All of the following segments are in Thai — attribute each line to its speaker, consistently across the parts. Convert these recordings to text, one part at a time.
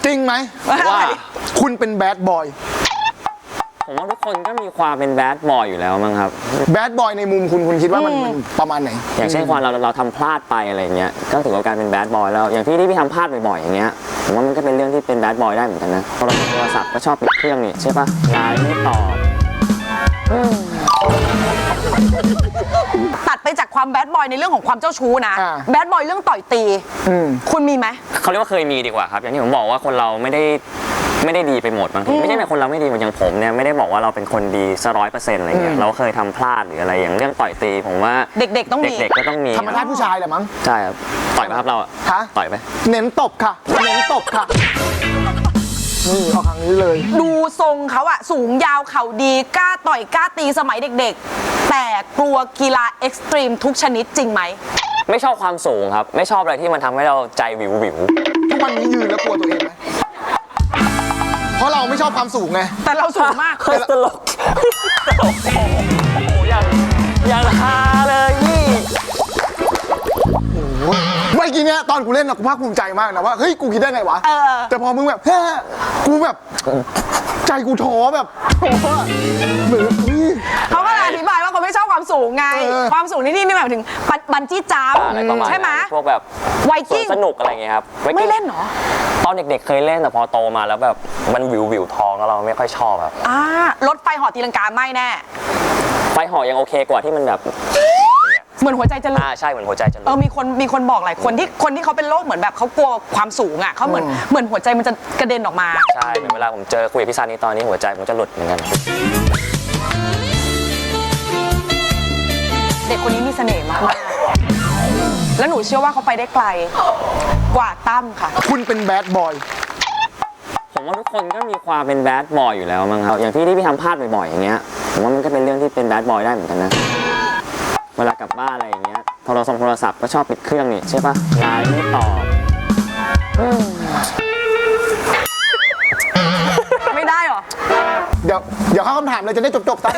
Speaker 1: จริงไหมว่าคุณเป็นแบดบอย
Speaker 2: ผมว่าทุกคนก็มีความเป็นแบดบอยอยู่แล้วมั้งครับ
Speaker 1: แบดบอยในมุมคุณคิดว่ามันประมาณไหน
Speaker 2: อย่างเช่นความเราทำพลาดไปอะไรเงี้ยก็ถือว่าการเป็นแบดบอยแล้วอย่างที่พี่ทำพลาดบ่อยๆอย่างเงี้ยผมว่ามันก็เป็นเรื่องที่เป็นแบดบอยได้เหมือนกันนะโทรศัพท์ก็ชอบปิดเครื่องนี่ใช่ปะไลน์ไม่ตอบ
Speaker 3: ตัดไปจากความแบดบอยในเรื่องของความเจ้าชู้นะแบดบอยเรื่องต่อยตีคุณมีไหม
Speaker 2: เขาเรียกว่าเคยมีดีกว่าครับอย่างที่ผมบอกว่าคนเราไม่ได้ดีไปหมดบางทีไม่ใช่แบบคนเราไม่ดีอย่างผมเนี่ยไม่ได้บอกว่าเราเป็นคนดีซะ100%อะไรเงี้ยเราเคยทำพลาดหรืออะไรอย่างเรื่องต่อยตีผมว่า
Speaker 3: เด็กๆต้องมี
Speaker 2: เด็กๆก็ต้องมี
Speaker 1: ธรรมชาติผู้ชายแหละมั้ง
Speaker 2: ใช่ครับต่อยไหมครับเราต่อยไหม
Speaker 1: เน้นตบค่ะเน้นตบค่ะนี่เอาครั้งนี้เลย
Speaker 3: ดูทรงเขาอะสูงยาวเข่าดีกล้าต่อยกล้าตีสมัยเด็กๆแต่กลัวกีฬาเอ็กซ์ตรีมทุกชนิดจริงไหม
Speaker 2: ไม่ชอบความสูงครับไม่ชอบอะไรที่มันทำให้เราใจวิว
Speaker 1: ทุกวันนี้ยืนแล้วกลัวตัวเองไหมเพราะเราไม่ชอบความสูงไง
Speaker 3: แต่เราสูงมาก
Speaker 2: ตลกโอ้โหอย่างฮาเลยนี่
Speaker 1: เมื่อกี้เนี้ยตอนกูเล่นนะกูภาคภูมิใจมากนะว่าเฮ้ยกูคิดได้ไงวะแต่พอมึงแบบเฮ้ยกูแบบใจกูท้อแบบท้อเหมือน
Speaker 3: เขาก็อธิบายว่าเขาไม่ชอบความสูงไงความสูงนี่หมายถึงบันจี้จัมป์ใช่ไหม
Speaker 2: พวกแบบ
Speaker 3: ไวกิ้ง
Speaker 2: สนุกอะไรเงี้ยครับ
Speaker 3: ไม่เล่นหรอ
Speaker 2: ตอนเด็กๆเคยเล่นแต่พอโตมาแล้วแบบมันวิวท้องแล้วเราไม่ค่อยชอบครับ
Speaker 3: รถไฟเหาะตีลังกาไม่แน่
Speaker 2: ไฟเหาะยังโอเคกว่าที่มันแบบ
Speaker 3: เหมือนหัวใจจะหลุด
Speaker 2: ใช่เหมือนหัวใจจะหลุด
Speaker 3: มีคนบอกหลายคนที่เขาเป็นโรคเหมือนแบบเขากลัวความสูงอ่ะเขาเหมือนหัวใจมันจะกระเด็นออกมา
Speaker 2: ใช่เวลาผมเจอคุยกับพี่ซานี่ตอนนี้หัวใจผมจะหลุดเหมือนกัน
Speaker 3: เด็กคนนี้มีเสน่ห์มากแล้วหนูเชื่อว่าเขาไปได้ไกลกว่าตั้มค่ะ
Speaker 1: คุณเป็นแบดบอย
Speaker 2: ผมว่าทุกคนก็มีความเป็นแบดบอยอยู่แล้วมั้งครับอย่างที่พี่ทำพลาดบ่อยๆอย่างเงี้ยผมว่ามันก็เป็นเรื่องที่เป็นแบดบอยได้เหมือนกันนะเวลากลับบ้านอะไรอย่างเงี้ยโทรศัพท์ก็ชอบปิดเครื่องนี่ใช่ปะไลน์ไม่ตอบ
Speaker 3: ไม่ได้หรอ
Speaker 1: เดี๋ยวเข้าคำถามเลยจะได้จบซะ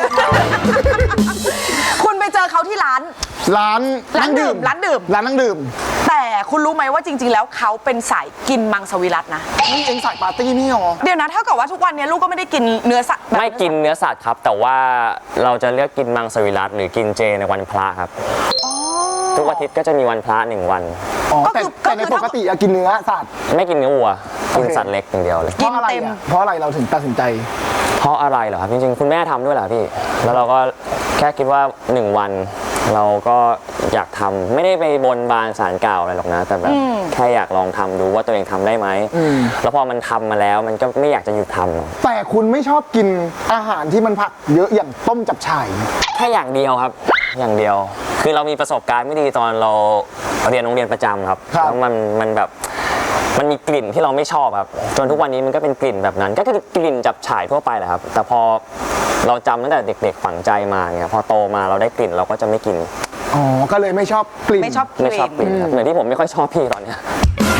Speaker 3: คุณไปเจอเขาที่ร้านนั่งดื่มแต่คุณรู้ไหมว่าจริงๆแล้วเขาเป็นสายกินมังสวิรัตินะ
Speaker 1: นี่เองสายปาร์ตี้นี่หรอ
Speaker 3: เดี๋ยวนะเท่ากับว่าทุกวันนี้ลูกก็ไม่ได้กินเนื้อสัตว์
Speaker 2: ไม่กินเนื้อสัตว์ครับแต่ว่าเราจะเลือกกินมังสวิรัติหรือกินเจในวันพระครับทุกอาทิตย์ก็จะมีวันพระ1 วัน
Speaker 1: แต่ในปกติกินเนื้อสัตว์
Speaker 2: ไม่กินเนื้อวัวกินสัตว์เล็กอย่างเดียวเลย
Speaker 1: เพราะอะไรเราถึงตัดสินใจ
Speaker 2: เพราะอะไรเหรอครับจริงๆคุณแม่ทำด้วยเหรอพี่แล้วเราก็แค่คิดว่า1 วันเราก็อยากทำไม่ได้ไปบนบานศาลกล่าวอะไรหรอกนะแต่แบบแค่อยากลองทำดูว่าตัวเองทำได้ไหมแล้วพอมันทำมาแล้วมันก็ไม่อยากจะหยุดทำ
Speaker 1: แต่คุณไม่ชอบกินอาหารที่มันผักเยอะอย่างต้มจับฉ่าย
Speaker 2: แค่อย่างเดียวครับอย่างเดียวคือเรามีประสบการณ์ไม่ดีตอนเราเรียนโรงเรียนประจำครับแล้วมันแบบมันมีกลิ่นที่เราไม่ชอบครับจนทุกวันนี้มันก็เป็นกลิ่นแบบนั้นก็คือกลิ่นจับฉ่ายทั่วไปแหละครับแต่พอเราจำตั้งแต่เด็กๆฝังใจมาเนี่ยพอโตมาเราได้กลิ่นเราก็จะไม่กิน
Speaker 1: ก็เลยไม่ชอบกลิ่น
Speaker 3: ไม่ชอบกลิ่น
Speaker 2: เหมือนที่ผมไม่ค่อยชอบพี่ตอนเนี้ย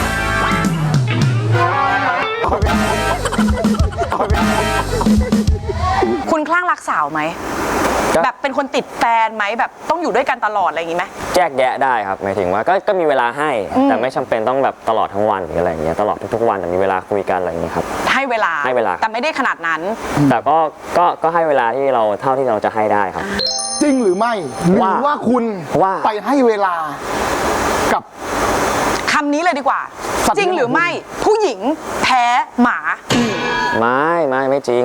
Speaker 3: คุณคลั่งรักสาวไหมแบบเป็นคนติดแฟนไหมแบบต้องอยู่ด้วยกันตลอดอะไรอย่างงี้ไหม
Speaker 2: แยกแยะได้ครับหมายถึงว่าก็มีเวลาให้แต่ไม่จำเป็นต้องแบบตลอดทั้งวันหรืออะไรอย่างเงี้ยตลอดทุกวันแต่มีเวลาคุยกันอะไรอย่างเงี้ยครับ
Speaker 3: ให้เวลาแต่ไม่ได้ขนาดนั้น
Speaker 2: แต่ก็ให้เวลาที่เราเท่าที่เราจะให้ได้ครับ
Speaker 1: จริงหรือไม่หรือว่าคุณไปให้เวลากับ
Speaker 3: คำนี้เลยดีกว่าจริงหรือไม่ผู้หญิงแพ้หมา
Speaker 2: ไม่จริง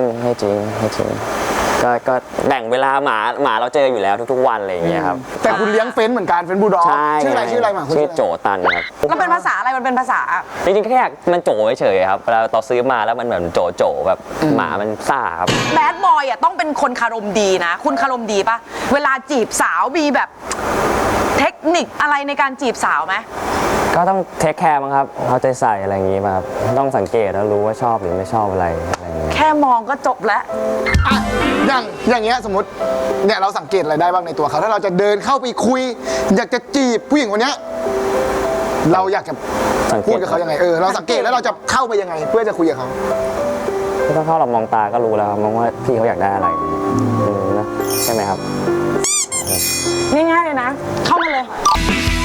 Speaker 2: ก็แบ่งเวลาหมาเราเจออยู่แล้วทุกๆวันอะไรอย่างเงี้ยครับ
Speaker 1: แต่คุณเลี้ยงเฟ้นเหมือนกันเฟ้นบูลด็อกชื่ออะไรหมา
Speaker 2: ชื่อโจตันครับ
Speaker 3: แล้วเป็นภาษาอะไรมันเป็นภาษา
Speaker 2: จริงๆแค่มันโจเฉยๆครับเวลาเราซื้อมาแล้วมันเหมือนโจแบบหมามันซ่าครับ
Speaker 3: แบดบอยต้องเป็นคนคารมดีนะคุณคารมดีปะเวลาจีบสาวมีแบบเทคนิคอะไรในการจีบสาวไหม
Speaker 2: ก็ต้องเทคแคร์มั้งครับเอาใจใส่อะไรอย่างงี้มาครับต้องสังเกตแล้วรู้ว่าชอบหรือไม่ชอบอะไรอย่างเงี้ย
Speaker 3: แค่มองก็จบแล้ว
Speaker 1: อย่างเงี้ยสมมติเนี่ยเราสังเกตอะไรได้บ้างในตัวเขาถ้าเราจะเดินเข้าไปคุยอยากจะจีบผู้หญิงคนเนี้ยเราอยากจะพูดกับเขายังไงเราสังเกตแล้วเราจะเข้าไปยังไงเพื่อจะคุยกับเขา
Speaker 2: ถ้าเข้าเรามองตาก็รู้แล้วมองว่าพี่เขาอยากได้อะไรนะใช่ไหมครับ
Speaker 3: ง่ายๆเลยนะเข้ามาเลย